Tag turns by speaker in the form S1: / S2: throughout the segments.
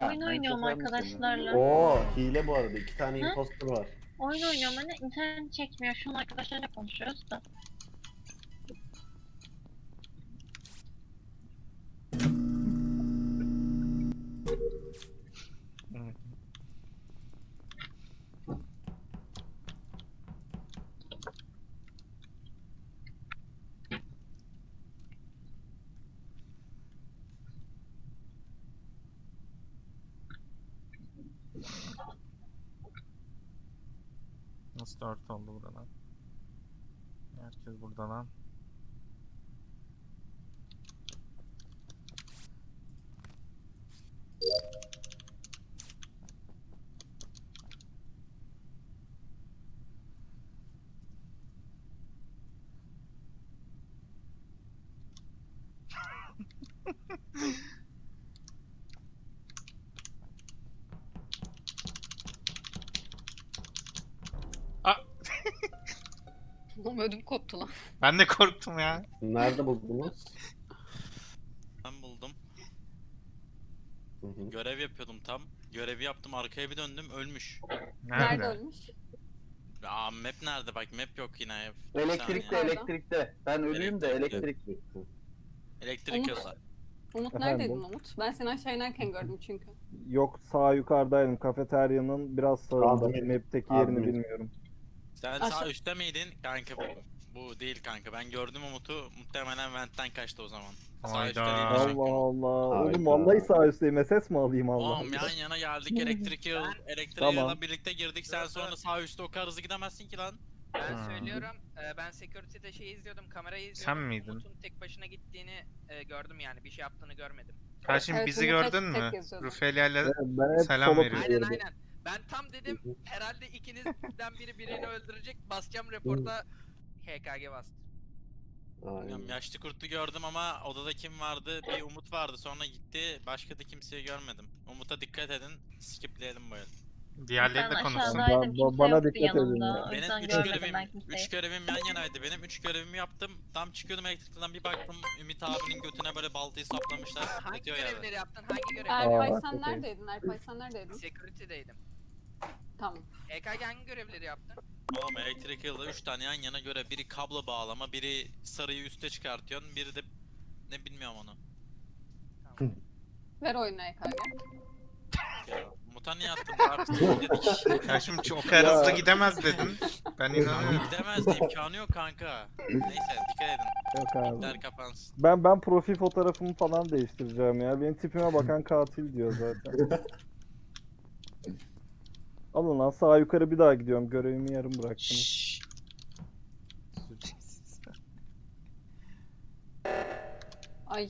S1: Oyun oynuyorum arkadaşlarla.
S2: Oo, hile bu arada. 2 tane
S1: Hı?
S2: imposter var.
S1: Oyun oynuyorum hani internet çekmiyor. Şu an arkadaşlarla konuşuyoruz da.
S3: Nasıl 4 oldu buradan? Herkes burada lan. Aa,
S4: Oğlum ödüm koptu lan.
S3: ben de korktum ya.
S2: Nerede buldunuz?
S5: Ben buldum.
S2: Hı hı.
S5: Görev yapıyordum tam. Görevi yaptım, arkaya bir döndüm, ölmüş.
S4: Nerede
S3: Nerede?
S4: ölmüş?
S5: Aa, map nerede? Bak map yok yine.
S6: Elektrikte,
S5: Bir saniye.
S6: elektrikte. Ben ölüyüm de
S5: Elektrikte.
S6: elektrik.
S5: Elektrik
S4: Umut.
S5: yolda.
S4: Umut
S7: Efendim?
S4: neredeydin Umut? Ben seni aşağı inerken gördüm çünkü.
S7: Yok, sağ yukarıdaydım. Kafeteryanın biraz sağında.
S2: Admin.
S7: Map'teki yerini
S2: Admin.
S7: bilmiyorum.
S5: Sen
S4: Aşağı-
S5: sağ üstte miydin? Kanka bu değil kanka. Ben gördüm Umut'u. Muhtemelen ventten kaçtı o zaman. Sağ
S3: Hayda.
S5: üstte değildi
S7: Allah
S5: çünkü.
S7: Allah.
S2: Hayda.
S7: Oğlum vallahi sağ üstteyim. SS mi alayım Allah
S5: Oğlum
S7: Allah.
S5: yan yana geldik elektriğe
S7: Tamam.
S5: birlikte girdik. Sen sonra sağ üstte o kadar hızlı gidemezsin ki lan.
S8: Ben
S3: Hmm.
S8: söylüyorum, ben security'de şey izliyordum, kamerayı izliyordum.
S3: Sen miydin?
S8: Umut'un tek başına gittiğini gördüm yani, bir şey yaptığını görmedim.
S3: Karşım
S4: Evet,
S3: bizi
S4: Umut
S3: gördün
S4: tek
S3: mü?
S4: geziyordu.
S3: Rufelia ile
S7: Ben hep
S3: selam
S7: solo
S3: veriyorum.
S8: Aynen
S7: tutuyorum.
S8: aynen. Ben tam dedim, herhalde ikinizden biri birini öldürecek, basacağım reporta, HKG bastı.
S2: Aynen.
S5: Bilmiyorum, yaşlı kurtu gördüm ama odada kim vardı? Bir Umut vardı, sonra gitti. Başka da kimseyi görmedim. Umut'a dikkat edin. Skipleyelim bu el.
S3: Diğerleri de
S1: Ben
S3: konuşsun.
S1: aşağıdaydım. Kimse
S7: Bana
S1: yoktu
S7: dikkat edin
S1: yanımda.
S7: ya.
S1: O
S5: Benim
S1: yüzden
S5: 3
S1: görmedim
S5: görevim,
S1: ben kimseyi.
S5: 3 görevim yan yanaydı benim. 3 görevimi yaptım. Tam çıkıyordum elektrikten, bir baktım Ümit abinin götüne böyle baltayı saplamışlar.
S8: Hangi
S5: Yatıyor yerde.
S8: görevleri yaptın, hangi görevleri?
S4: Erpay
S7: Aa,
S4: sen
S7: çok iyi.
S4: neredeydin? Erpay sen neredeydin?
S8: Security'deydim.
S4: Tamam.
S8: HKG hangi görevleri yaptın?
S5: Oğlum elektrik yılda 3 tane yan yana göre, biri kablo bağlama, biri sarıyı üste çıkartıyorsun, biri de ne bilmiyorum onu.
S4: Ver oyunu EKG.
S5: Ya, Umut'a niye attın? Artık dedik.
S3: Karşım o kadar hızlı gidemez dedin. Ben inanıyorum.
S5: Gidemez de imkanı yok kanka. Neyse dikkat edin.
S7: Yok abi.
S5: Der kapansın.
S7: Ben profil fotoğrafımı falan değiştireceğim ya. Benim tipime bakan katil diyor zaten. Alın lan, sağ yukarı bir daha gidiyorum. Görevimi yarım bıraktım.
S3: Şşş.
S4: Ay.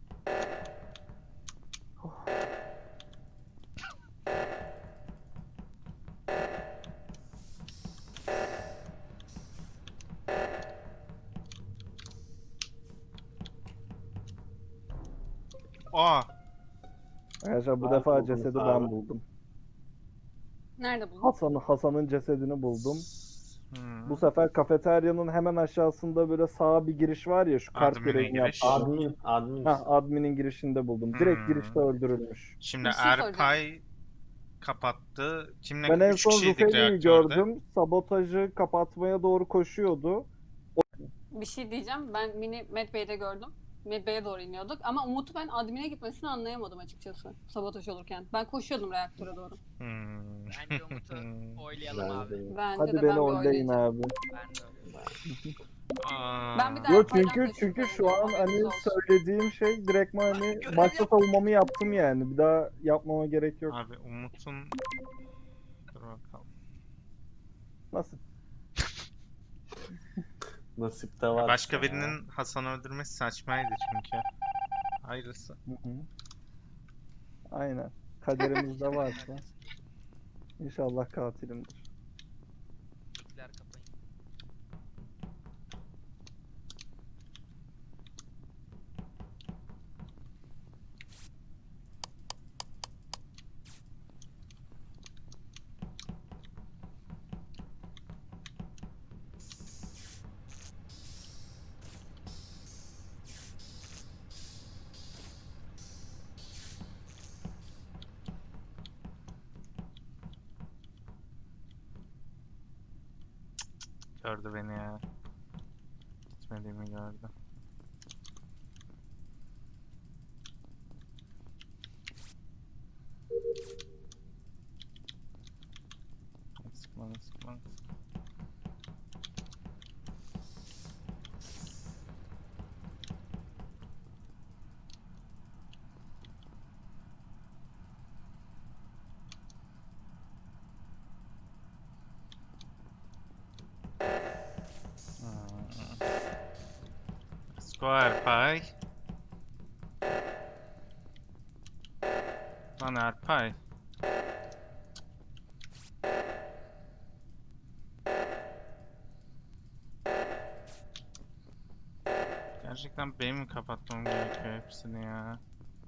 S3: Aa,
S7: Arkadaşlar bu
S2: Ben
S7: defa
S2: buldum
S7: cesedi
S2: abi.
S7: ben buldum.
S4: Nerede buldun?
S7: Hasan'ın cesedini buldum.
S3: hmm.
S7: Bu sefer kafeteryanın hemen aşağısında böyle sağa bir giriş var ya, şu kart
S3: Admin'e
S7: görevini
S3: giriş.
S7: yaptı.
S2: Admin.
S7: Ha, admin'in girişinde buldum. Direkt
S3: Hmm.
S7: girişte öldürülmüş.
S3: Şimdi
S4: Bir şey soracağım.
S3: Erpay kapattı. Kimle
S7: Ben en
S3: 3
S7: son
S3: kişiydik
S7: Rufeli'yi
S3: reaktörde.
S7: gördüm. Sabotajı kapatmaya doğru koşuyordu.
S4: Bir şey diyeceğim. Ben Mini Medbay'de gördüm. Medbay'e doğru iniyorduk. Ama Umut'u ben admin'e gitmesini anlayamadım açıkçası. Sabotaj olurken. Ben koşuyordum reaktöre doğru.
S3: Hmm.
S8: Bence Umut'u oylayalım
S2: Ben
S8: abi.
S2: de-
S4: Bence
S7: Hadi
S4: de
S7: beni
S4: ben bir
S7: oylayın
S4: oynayacağım.
S7: abi.
S8: Ben de öyle.
S3: Aa.
S4: Ben bir daha-
S7: Yok
S4: Erpay'dan da
S7: çünkü şu an
S4: şüpheleniyorum.
S7: hani
S4: Haberiniz olsun.
S7: söylediğim şey direktman hani başta savunmamı yaptım yani. Bir daha yapmama gerek yok.
S3: Abi Umut'un... Dur bakalım.
S7: Nasıl?
S2: Nasip de var.
S3: Başka
S2: ya.
S3: birinin Hasan'ı öldürmesi saçmaydı çünkü. Hayırlısı.
S7: Hı hı. Aynen. Kaderimizde varsa. İnşallah katilimdir.
S8: Mikler kapayın.
S3: Gördü beni ya. Gitmediğimi gördü. Sıkma. Square pie. Lan Erpay. Gerçekten benim mi kapatmam gerekiyor hepsini ya?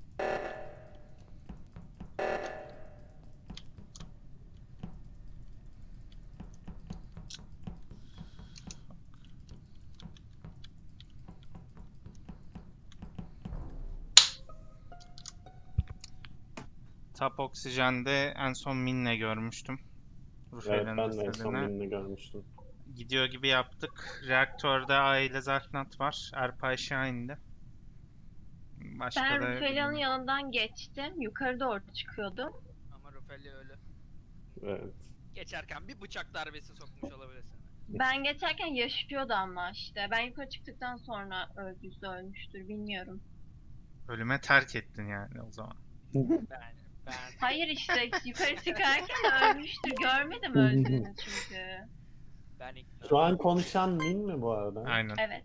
S3: Top Oksijen'de en son Min'le görmüştüm.
S2: Evet
S3: Rufel'in
S2: ben de en son
S3: istediğini.
S2: birini görmüştüm.
S3: Gidiyor gibi yaptık. Reaktörde A ile Zarfnat var. Erpay Şahin'de. Başka
S1: Ben
S3: da
S1: Rufelia'nın yanından geçtim. Yukarı doğru çıkıyordum.
S8: Ama Rufelia ölü.
S2: Evet.
S8: Geçerken bir bıçak darbesi sokmuş olabilir sana.
S1: Ben geçerken yaşıyordu ama işte. Ben yukarı çıktıktan sonra öldüyse ölmüştür bilmiyorum.
S3: ölüme terk ettin yani o zaman.
S8: Ben
S1: Hayır işte yukarı çıkarken ölmüştür. Görmedim öldüğünü çünkü.
S8: ben ikna.
S2: Şu an konuşan Min mi bu arada?
S3: Aynen.
S1: Evet.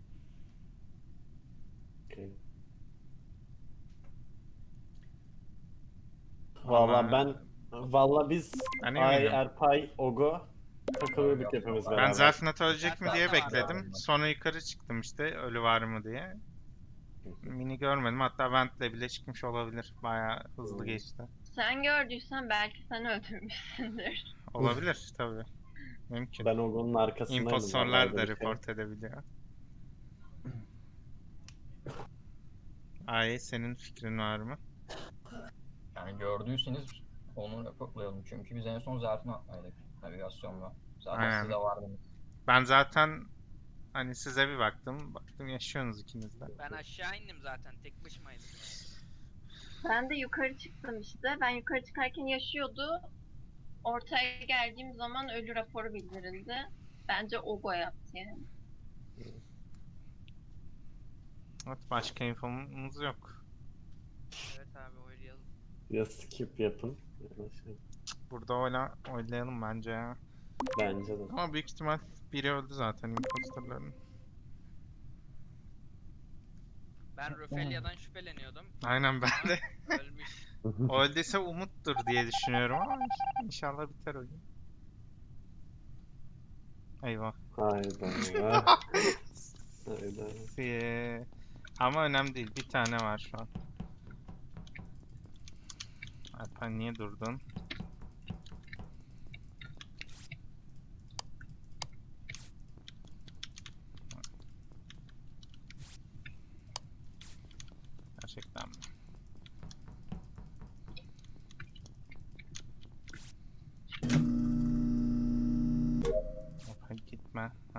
S2: Okey. Valla biz
S3: Ben
S2: Ay,
S3: eminim.
S2: Erpay, Ogo takılıyorduk hepimiz beraber.
S3: Ben Zarfnat ölecek mi diye
S8: Zarfnat var
S3: bekledim. Sonra yukarı çıktım işte ölü var mı diye. Mini görmedim. Hatta Vent'le bile çıkmış olabilir. Bayağı hızlı geçti.
S1: Sen gördüysen belki sen öldürmüşsündür.
S3: Olabilir tabii. Mümkün.
S2: Ben Ogo'nun arkasındaydım.
S3: İmpostorlar
S2: vallahi
S3: da
S2: bir şey.
S3: report edebiliyor. Ay senin fikrin var mı?
S9: Yani gördüyseniz onu raporlayalım. Çünkü biz en son zarfını atmaydık navigasyonla. Zaten
S3: Aynen.
S9: siz de vardınız.
S3: Ben zaten hani size bir baktım. Baktım yaşıyorsunuz ikiniz de.
S8: Ben aşağı indim zaten tek başımaydım.
S1: Ben de yukarı çıktım işte. Ben yukarı çıkarken yaşıyordu. Ortaya geldiğim zaman ölü raporu bildirildi. Bence Ogo yaptı yani.
S3: Evet başka infomuz yok.
S8: Evet abi oynayalım.
S2: Ya skip yapın ya da şey.
S3: Burada oylayalım bence ya.
S2: Bence de.
S3: Ama büyük ihtimal biri öldü zaten imposterların.
S8: Ben Rufelia'dan şüpheleniyordum.
S3: Aynen ben de.
S8: Ölmüş.
S3: O öldüyse Umut'tur diye düşünüyorum ama inşallah biter oyun. Eyvah.
S2: Hayda. Hayda.
S3: Ama önemli değil. Bir tane var şu an. Alper niye durdun? Gerçekten mi? Alper gitme. Heh.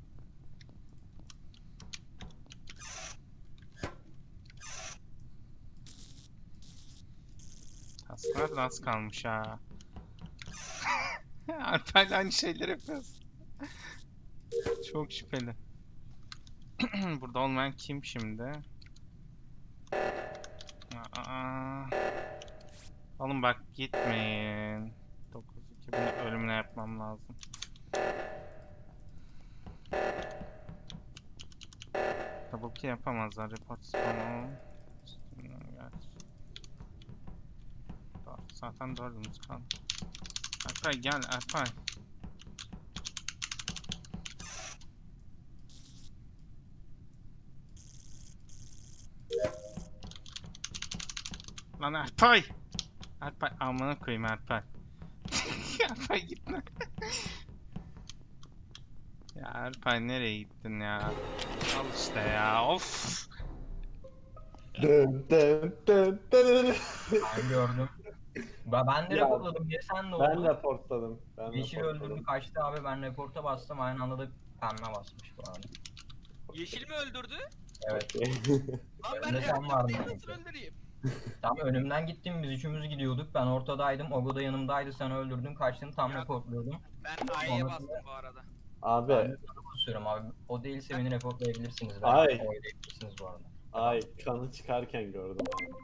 S3: Tasklar da az kalmış ha. Alper'le aynı şeyleri yapıyoruz. Çok şüpheli. Burada olmayan kim şimdi? Oğlum bak gitmeyin. 9-2 bunu ölümüne yapmam lazım. Double kill yapamazlar. Report spam. Zaten 4'ümüz kaldı. Alpay gel Alpay. Lan Alpay! Alpay amına koyayım Alpay. Alpay gitme. Ya Alpay nereye gittin ya? Al işte ya of.
S2: Dın dın dın dın.
S9: Ben gördüm. Ben de
S2: Ya,
S9: raporladım. Niye sen de
S2: Ben
S9: oldu?
S2: raportladım.
S9: Yeşil öldürdü kaçtı abi. Ben reporta bastım. Aynı anda da Pembe basmış bu arada.
S8: Yeşil mi öldürdü?
S9: Evet.
S8: Lan ben
S9: Önde sen vardın
S8: reaktördeyim, nasıl
S9: çünkü.
S8: öldüreyim?
S9: Tam önümden gittin, biz üçümüz gidiyorduk. Ben ortadaydım, Ogo da yanımdaydı. Sen öldürdün, kaçtın, tam
S8: Ya-
S9: reportluyordum.
S8: Ben A'ya
S9: Sonrasında-
S8: bastım bu arada.
S2: Abi
S9: Ben de sana basıyorum abi. O değilse beni reportlayabilirsiniz.
S2: Ay.
S9: Oylayabilirsiniz bu arada.
S2: ay kanı çıkarken gördüm.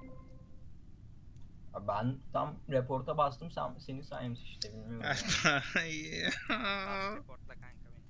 S9: Abi ben tam reporta bastım, senin sayemsi işte, bilmiyorum.
S8: Bas reportla kanka beni.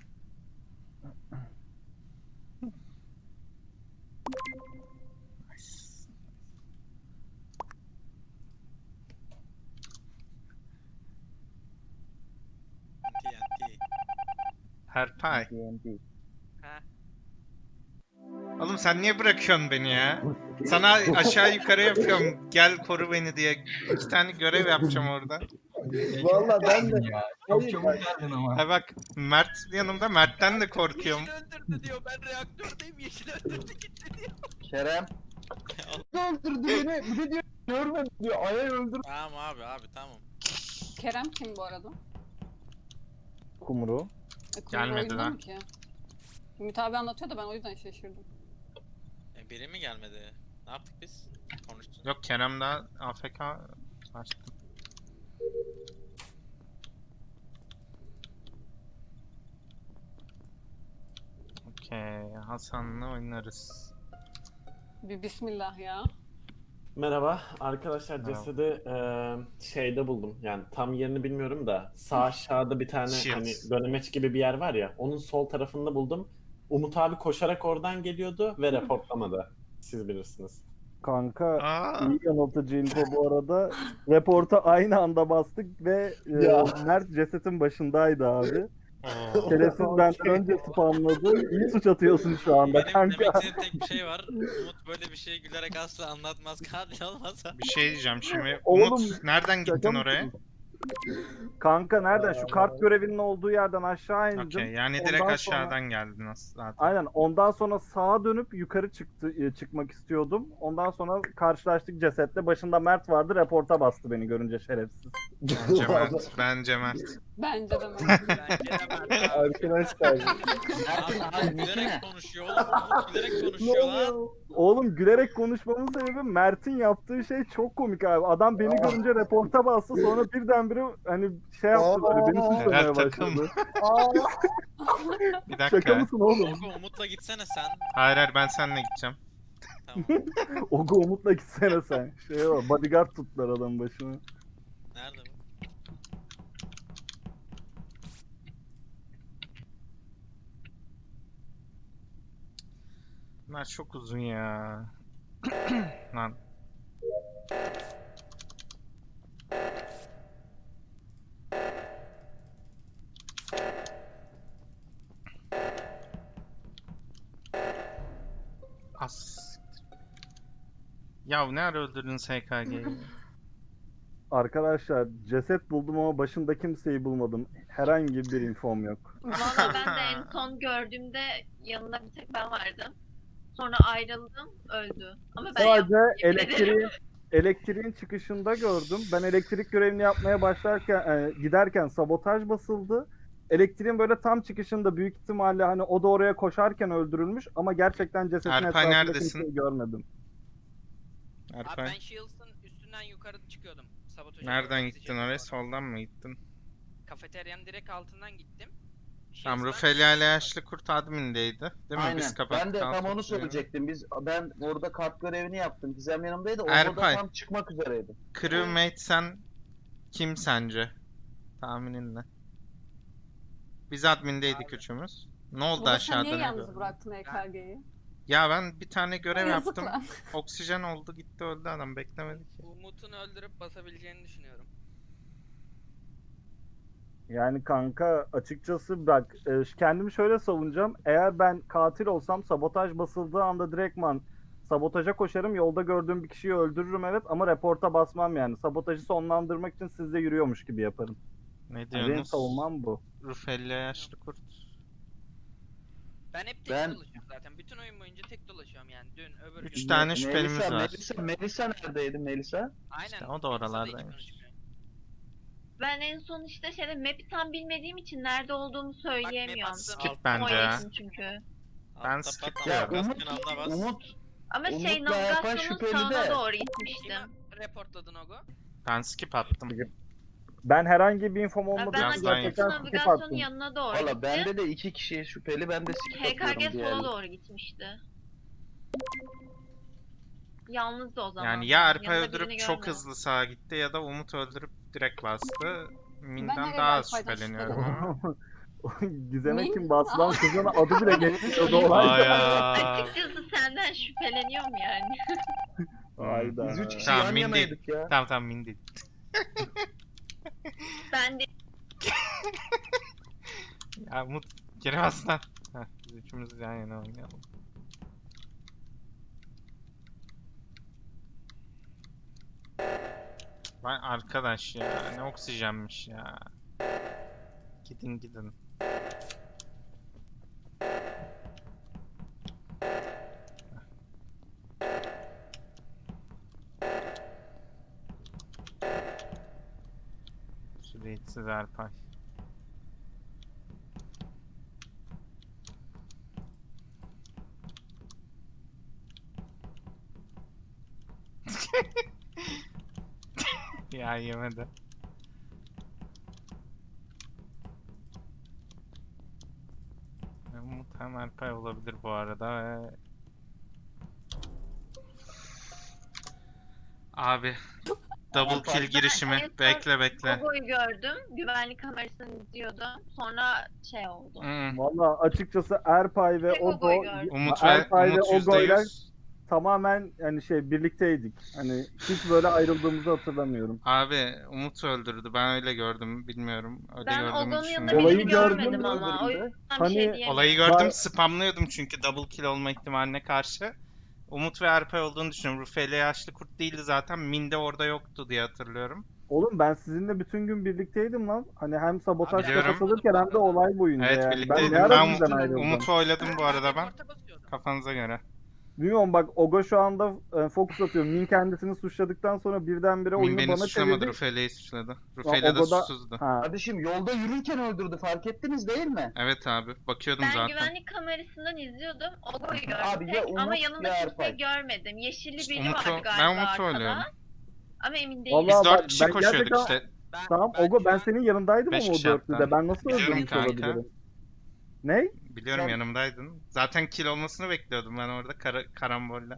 S5: TNT.
S3: Herpay.
S7: TNT.
S8: Ha.
S3: Oğlum sen niye bırakıyorsun beni ya? Sana aşağı yukarı yapıyorum. Gel koru beni diye. 2 tane görev yapacağım orada.
S7: Valla ben de
S9: Ya, çok
S7: Hayır,
S9: çabuk geldin ama.
S3: Ha bak Mert yanımda. Mert'ten de korkuyorum.
S8: Yeşil öldürdü diyor, ben reaktördeyim, yeşil öldürdü gitti diyor.
S6: Kerem.
S7: öldürdü beni. Bir de diyor görmedim diyor. Ay'a öldürdü.
S5: Tamam abi tamam.
S4: Kerem kim bu arada?
S7: Kumru.
S4: Kumru
S3: Gelmedi
S4: oyunda
S3: lan.
S4: mı ki? Ümit abi anlatıyor da ben o yüzden şaşırdım.
S5: Biri mi gelmedi? Ne yaptık biz? Konuştuk.
S3: Yok Kerem daha AFK açtım. Okey, Hasan'la oynarız.
S4: Bir bismillah ya.
S2: Merhaba arkadaşlar,
S3: Merhaba.
S2: cesedi şeyde buldum. Yani tam yerini bilmiyorum da sağ aşağıda bir tane
S3: Shields.
S2: hani dönemeç gibi bir yer var ya, onun sol tarafında buldum. Umut abi koşarak oradan geliyordu ve reportlamadı. Siz bilirsiniz.
S7: Kanka
S3: Aa,
S7: iyi yanıltıcı info bu arada. Reporta aynı anda bastık ve
S2: Ya.
S7: Mert cesetin başındaydı abi.
S3: oo.
S7: Şerefsiz benden önce spamladı. İyi suç atıyorsun şu anda
S5: Benim
S7: kanka.
S5: demek istediğim tek bir şey var. Umut böyle bir şeyi gülerek asla anlatmaz. Katil olmasa.
S3: Bir şey diyeceğim şimdi.
S7: Oğlum,
S3: Umut nereden
S7: Şaka
S3: gittin
S7: mısın?
S3: oraya?
S7: Kanka nereden? Şu kart görevinin olduğu yerden aşağı indim.
S3: Okey, yani direkt
S7: Ondan sonra-
S3: aşağıdan geldin zaten.
S7: Aynen. Ondan sonra sağa dönüp yukarı çıkmak istiyordum. Ondan sonra karşılaştık cesetle. Başında Mert vardı. Reporta bastı beni görünce şerefsiz.
S3: Bence Mert. Bence Mert.
S4: Bence de Mert.
S8: Bence de ben.
S7: Arkadaşlar.
S6: Mert'in
S5: Abi
S6: abi
S5: gülerek
S6: ne?
S5: konuşuyor oğlum. Umut gülerek konuşuyor lan.
S7: Oğlum gülerek konuşmamın sebebi Mert'in yaptığı şey çok komik abi. Adam beni görünce reporta bastı, sonra birdenbire hani şey yaptı böyle, beni suçlamaya
S3: Helal takım.
S7: başladı.
S3: Bir
S7: Şaka
S3: dakika.
S7: mısın oğlum?
S5: Ogo Umut'la gitsene sen.
S3: Hayır ben seninle gideceğim.
S5: Tamam.
S7: Ogo Umut'la gitsene sen. Şey var, bodyguard tuttular adamın başına.
S5: Nerede bu?
S3: Bunlar çok uzun ya. Lan. As. Ya ne ara öldürdün SKG'yi?
S7: Arkadaşlar ceset buldum ama başında kimseyi bulmadım. Herhangi bir infom yok.
S1: Valla ben de en son gördüğümde yanında bir tek ben vardım. Sonra ayrıldım, öldü. Ama ben
S7: Sadece
S1: yemin ederim.
S7: elektriğin çıkışında gördüm. Ben elektrik görevini yapmaya başlarken giderken sabotaj basıldı. Elektriğin böyle tam çıkışında büyük ihtimalle hani o da oraya koşarken öldürülmüş ama gerçekten cesetin
S3: Erpay,
S7: etrafında
S3: neredesin?
S7: kimseyi görmedim.
S8: Abi
S3: Erpay.
S8: ben Shields'ın üstünden yukarı çıkıyordum. Sabotajı
S3: Nereden
S8: görmek
S3: gittin
S8: için.
S3: oraya? Soldan mı gittin?
S8: Kafeteryanın direkt altından gittim.
S3: Tamam,
S8: Shields'dan-
S3: Rufelia ile Yaşlı Kurt admindeydi. Değil mi?
S6: Aynen.
S3: Biz kapattık.
S6: Ben de tam
S3: altı
S6: onu
S3: kişiyi.
S6: söyleyecektim. Ben orada kart görevini yaptım. Gizem yanımdaydı. O
S3: Erpay.
S6: da tam çıkmak üzereydi.
S3: Crewmate sen kim sence? Tahminin ne? Biz admindeydik üçümüz. Ne oldu
S4: Burada sen
S3: aşağıda
S4: niye
S3: ne
S4: yalnız
S3: gördün?
S4: bıraktın EKG'yi?
S3: Ya ben bir tane görev
S4: Yazık
S3: yaptım.
S4: lan.
S3: Oksijen oldu gitti öldü adam beklemedi ki.
S8: Umut'un öldürüp basabileceğini düşünüyorum.
S7: Yani kanka açıkçası bak kendimi şöyle savunacağım. Eğer ben katil olsam sabotaj basıldığı anda direktman sabotaja koşarım. Yolda gördüğüm bir kişiyi öldürürüm evet ama reporta basmam yani. Sabotajı sonlandırmak için sizle yürüyormuş gibi yaparım.
S3: Ne
S7: Yani benim
S3: diyorsunuz?
S7: savunmam bu.
S3: Rufelia Yaşlı Kurt.
S8: Ben hep tek dolaşıyorum zaten. Bütün oyun boyunca tek dolaşıyorum yani. Dün öbür gün.
S3: 3 tane şüphelimiz var.
S6: Melisa neredeydi Melisa?
S8: Aynen.
S3: İşte o da
S8: Melisa'da hiç
S3: oralardaymış.
S8: konuşmuyor.
S1: Ben en son işte map'i tam bilmediğim için nerede olduğumu söyleyemiyorum.
S8: aslında-
S3: Skip
S1: O
S3: bence ya.
S1: için çünkü.
S3: Ben
S5: Altta
S3: skip
S5: pat-
S6: Ya
S3: diyorum.
S6: Umut,
S5: Baskın alda bas.
S6: Umut,
S1: Ama
S6: Umut'la Erpan
S1: navigasyonun
S6: şüpheli
S1: sağına
S6: de.
S1: doğru
S8: Kime
S1: gitmiştim.
S8: reportladın Ogo?
S3: Ben skip attım.
S7: Ben herhangi bir infom
S1: Ya
S7: olmadığı
S1: ben
S3: Biraz
S7: için
S3: daha
S1: açıkçası
S7: gerçekten skip
S1: navigasyonun
S7: attım.
S1: yanına doğru
S6: valla
S1: gittim.
S6: bende de 2 kişi şüpheli, ben de skip
S1: HKG
S6: atıyorum
S1: sola
S6: diğerine.
S1: doğru gitmişti. Yalnızdı o zaman.
S3: Yani ya Erpay
S1: Yanında
S3: öldürüp
S1: birini
S3: çok
S1: görmedim.
S3: hızlı sağa gitti ya da Umut öldürüp direkt bastı. Min'den
S4: her
S3: daha
S4: el
S3: az
S4: Erpay'dan
S3: şüpheleniyorum ama.
S7: Gizem'e
S4: Min?
S7: kim bastı lan? Kızın adı bile geçmiyordu olay.
S3: Aya.
S1: Açıkçası senden şüpheleniyorum yani.
S7: Hayda.
S6: Biz 3 kişi
S3: Tamam,
S6: yan
S3: Min değil.
S6: yanaydık ya.
S3: Tamam Min değil.
S1: Ben de
S3: Ya Umut geri bas lan. Heh, biz üçümüz yan yana oynayalım. Vay arkadaş ya, ne oksijenmiş ya. Gidin gidin. Süreyitsiz Erpay. Ya yemedi. Umut hem Erpay olabilir bu arada ve... Abi double
S6: Erpay.
S3: kill girişimi.
S1: en son
S3: Bekle.
S1: Gogo'yu gördüm. Güvenlik kamerasını izliyordum. Sonra oldu.
S7: Valla açıkçası Erpay ve
S1: Tek
S7: Ogo,
S1: Ogo'yu gördüm.
S3: Umut ve
S7: Erpay ve
S3: Umut
S7: Ogo'yla
S3: %100.
S7: tamamen birlikteydik. Hani hiç böyle ayrıldığımızı hatırlamıyorum.
S3: Abi Umut öldürdü. Ben öyle gördüm. Bilmiyorum. Öyle
S1: Ben
S3: gördüğümü
S1: Ogo'nun yanında
S3: düşünmüyorum.
S7: Olayı
S1: birini
S7: gördün
S1: görmedim
S7: mü
S1: ama. O
S6: öbüründe?
S1: yüzden
S7: Hani
S1: bir şey diyemiyorum.
S3: Olayı gördüm.
S7: Var-
S3: Spamlıyordum çünkü double kill olma ihtimaline karşı. Umut ve Erpay olduğunu düşünüyorum. Rufeli yaşlı kurt değildi zaten. Min de orada yoktu diye hatırlıyorum.
S7: Oğlum ben sizinle bütün gün birlikteydim lan. Hani hem sabotaj
S3: Biliyorum.
S7: katılırken hem de olay boyunca
S3: Evet
S7: yani.
S3: birlikteydim.
S7: Ben ne
S3: Ben
S7: ara sizden ayrıldım?
S3: Umut'u oyladım bu arada ben.
S8: Reporta basıyordum.
S3: Kafanıza göre.
S7: Bilmiyorum bak Ogo şu anda fokus atıyor. Min kendisini suçladıktan sonra birdenbire
S3: Min
S7: oyunu
S3: beni
S7: bana
S3: suçlamadı.
S7: çevirdi.
S3: Rufeli'yi suçladı.
S7: Lan
S3: Rufeli de
S7: Ogo'da-
S3: susuzdu.
S7: Ha.
S6: Kardeşim yolda yürürken öldürdü, fark ettiniz değil mi?
S3: Evet abi. Bakıyordum
S1: Ben
S3: zaten.
S1: güvenlik kamerasından izliyordum. Ogo'yu gördüm
S6: Abi ya
S1: tek
S6: Umut
S1: ama
S6: ya
S1: yanında
S6: Erpay.
S1: kimseyi görmedim. Yeşilli
S3: İşte
S1: biri
S3: Umut'u-
S1: vardı
S3: ben
S1: galiba
S3: Umut'u
S1: arkada.
S3: oynuyorum.
S1: Ama emin değilim.
S7: Vallahi
S3: Biz
S7: bak,
S3: 4 kişi
S7: ben
S3: koşuyorduk
S7: gerçekten-
S3: işte.
S7: Tamam Ogo ben senin yanındaydım
S3: Beş
S7: ama o
S3: kişi hatta.
S7: dörtlüde. Ben nasıl
S3: Biliyorum
S7: öldürmüş
S3: kanka.
S7: olabilirim? Ne?
S3: Biliyorum
S6: Ben-
S3: yanımdaydın. Zaten kill olmasını bekliyordum ben orada karambolle.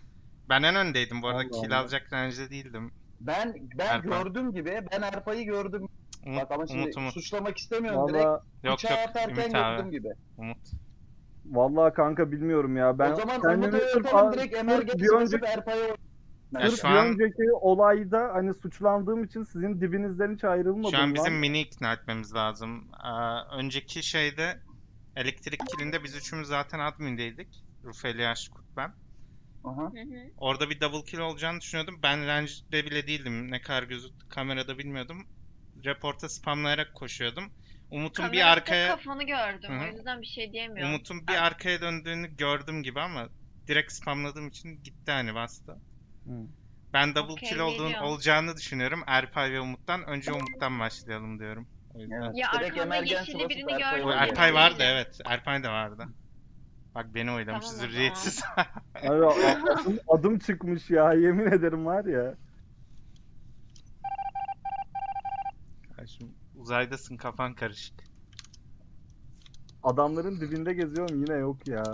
S3: Ben en öndeydim bu arada.
S7: Allah
S3: Kill
S7: Allah.
S3: alacak range'de değildim.
S6: Ben
S3: Erpay.
S6: gördüğüm gibi, ben Erpay'ı gördüm.
S3: Umut,
S6: Bak ama şimdi
S3: Umut.
S6: suçlamak istemiyorum direkt.
S7: Valla
S3: Yok
S6: Bıçağı
S3: yok
S6: atarken
S3: Ümit
S6: gördüğüm
S3: abi.
S6: gibi.
S3: Umut.
S7: vallahi kanka bilmiyorum ya. Ben
S6: o zaman
S7: kendimi
S6: Umut'u
S7: sırf-
S6: yapalım, direkt
S7: sırf
S6: emergency
S7: bir
S6: basıp
S7: önceki,
S6: Erpay'a oy-
S3: Ya
S7: sırf
S3: şu
S7: bir
S3: an-
S7: önceki olayda hani suçlandığım için sizin dibinizden hiç ayrılmadım
S3: Şu an bizim
S7: lan.
S3: mini ikna etmemiz lazım. Önceki şeyde elektrik killinde biz üçümüz zaten admindeydik. Rufeli Yaşkurt ben.
S6: Aha.
S1: Hı hı.
S3: Orada bir double kill olacağını düşünüyordum. Ben range'de bile değildim. Ne kadar gözüktü kamerada bilmiyordum. Reporta spamlayarak koşuyordum. Umut'un bir
S1: Kamerada tek
S3: arkaya
S1: kafanı gördüm.
S3: Hı hı.
S1: O yüzden bir şey diyemiyorum.
S3: Umut'un bir arkaya döndüğünü gördüm gibi ama direkt spamladığım için gitti hani bastı.
S7: Hı.
S3: Ben double
S1: Okey,
S3: kill
S1: geliyorum.
S3: olacağını düşünüyorum. Erpay ve Umut'tan. Önce Umut'tan başlayalım diyorum. O yüzden.
S6: Evet.
S1: Ya
S6: Direkt
S1: arkamda
S6: emergency
S1: yeşilli
S6: basıp
S1: birini
S6: Erpay'a
S1: gördüm.
S3: O
S6: oy
S1: Emin
S3: Erpay vardı
S1: değilim.
S3: evet. Erpay da vardı. Bak beni oylamış
S1: Tamam o zaman.
S3: zürriyetsiz.
S7: Abi, adım çıkmış ya yemin ederim var ya.
S3: Şimdi uzaydasın kafan karışık.
S7: Adamların dibinde geziyorum yine yok ya.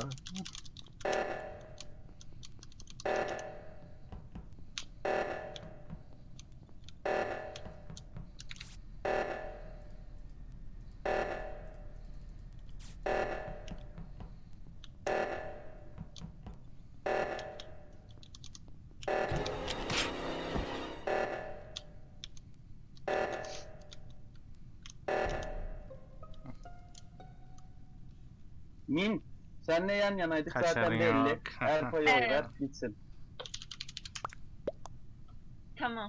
S6: Min, senle yan yanaydık
S3: Kaçarın
S6: zaten belli.
S3: yok.
S6: Erpay'a oy
S1: Evet.
S6: ver, gitsin.
S1: Tamam.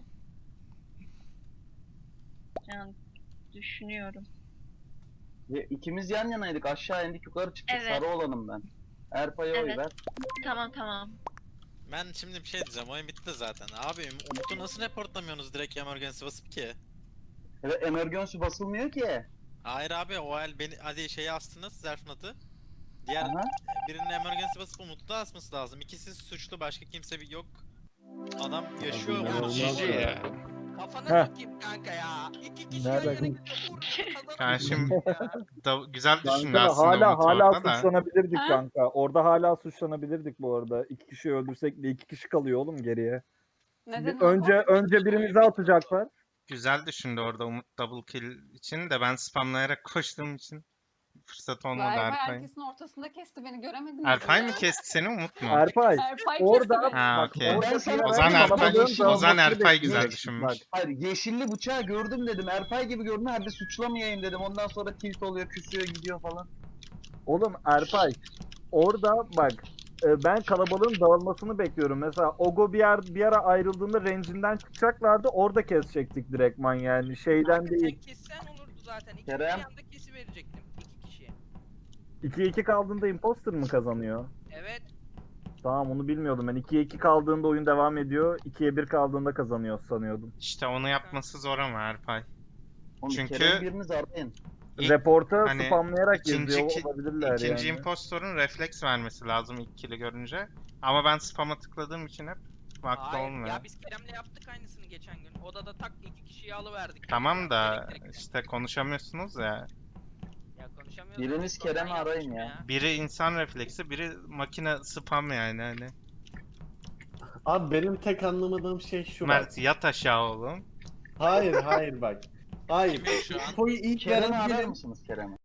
S1: Yani düşünüyorum.
S6: Ve ikimiz yan yanaydık, aşağı indik, yukarı çıktık.
S1: Evet.
S6: Sarı olanım ben. Erpay'a oy
S1: Evet.
S6: ver.
S1: Tamam.
S5: Ben şimdi bir şey diyeceğim. Oyun bitti zaten. Abi Umut'u nasıl reportlamıyorsunuz direkt emergency basıp ki?
S6: Evet, emergency basılmıyor ki.
S5: Hayır abi o el beni hadi şeyi astınız Zerfnat'ı. Diğer
S6: Aha.
S5: birinin emergency basıp Umut'u da asması lazım. İkisi suçlu başka kimse yok. Adam yaşıyor
S2: Abi,
S5: Umut.
S2: inanılmaz
S3: GG ya.
S8: Kafana
S7: Heh.
S8: sokayım kanka ya. İki kişi
S7: Nereden-
S8: yan yana gidiyor. Vur,
S3: Yani şimdi
S8: ya.
S3: güzel düşündü
S7: Kanka
S3: aslında
S7: hala
S3: Umut
S7: hala
S3: orada da.
S7: suçlanabilirdik
S4: Ha?
S7: kanka. Orada hala suçlanabilirdik bu arada. 2 kişi öldürsek de 2 kişi kalıyor oğlum geriye.
S4: Neden
S7: Önce birimizi atacaklar.
S3: Güzel düşündü orada Umut double kill için de ben spamlayarak koştuğum için fırsat olmadı
S4: Erpay
S3: Erpay.
S4: herkesin ortasında kesti beni göremediniz.
S3: Erpay
S4: ya.
S3: mı kesti seni Umut mu?
S7: Erpay
S4: Erpay
S7: orada
S4: kesti beni.
S3: Ha
S7: bak,
S3: okey.
S7: orada
S6: Ben sana-
S3: O zaman
S6: ben
S3: Erpay,
S6: kalabalığın
S3: o zaman
S6: dağılmasını
S3: Erpay güzel
S6: bekliyorum.
S3: düşünmüş.
S7: Bak,
S6: Hayır, yeşilli bıçağı gördüm dedim. Erpay gibi gördüm. Hadi suçlamayayım dedim. Ondan sonra tilt oluyor, küsüyor, gidiyor falan.
S7: oğlum Erpay orada bak ben kalabalığın dağılmasını bekliyorum. Mesela Ogo bir ara ayrıldığında range'inden çıkacaklardı. Orada kesecektik direktman yani. Şeyden
S8: Kanka
S7: değil.
S8: sen kessen olurdu zaten. İkimiz
S6: Kerem.
S8: bir anda kesi verecektim. İki kişi.
S7: 2'ye 2 kaldığında imposter mı kazanıyor?
S8: Evet.
S7: Tamam onu bilmiyordum ben. 2'ye 2 kaldığında oyun devam ediyor. 2'ye 1 kaldığında kazanıyor sanıyordum.
S3: İşte onu yapması zor ama Erpay.
S6: Oğlum,
S3: Çünkü-
S6: Kerem biriniz arayın.
S3: İlk-
S7: Reporta
S3: hani
S7: spamlayarak
S3: ikinci
S7: yazıyor
S3: ki-
S7: olabilirler
S3: İkinci
S7: yani.
S3: impostorun refleks vermesi lazım ilk kill'i görünce. Ama ben spam'a tıkladığım için hep vakti
S8: Hayır
S3: olmuyor.
S8: ya biz Kerem'le yaptık aynısını geçen gün. Odada tak iki kişiyi alıverdik.
S3: Tamam da
S8: Elektrikten.
S3: işte konuşamıyorsunuz ya.
S8: Ya konuşamıyoruz.
S6: Biriniz
S8: Biz de ondan
S6: Kerem'i arayın
S8: yapmışım
S6: ya.
S3: Biri insan refleksi, biri makine spam yani hani.
S2: Abi benim tek anlamadığım şey şu bak.
S3: Mert yat aşağı oğlum.
S2: Hayır bak. Hayır.
S5: Kimin şu an?
S2: Infoyu ilk
S6: Kerem'i
S2: veren
S6: arar
S2: benim.
S6: mısınız Kerem'i?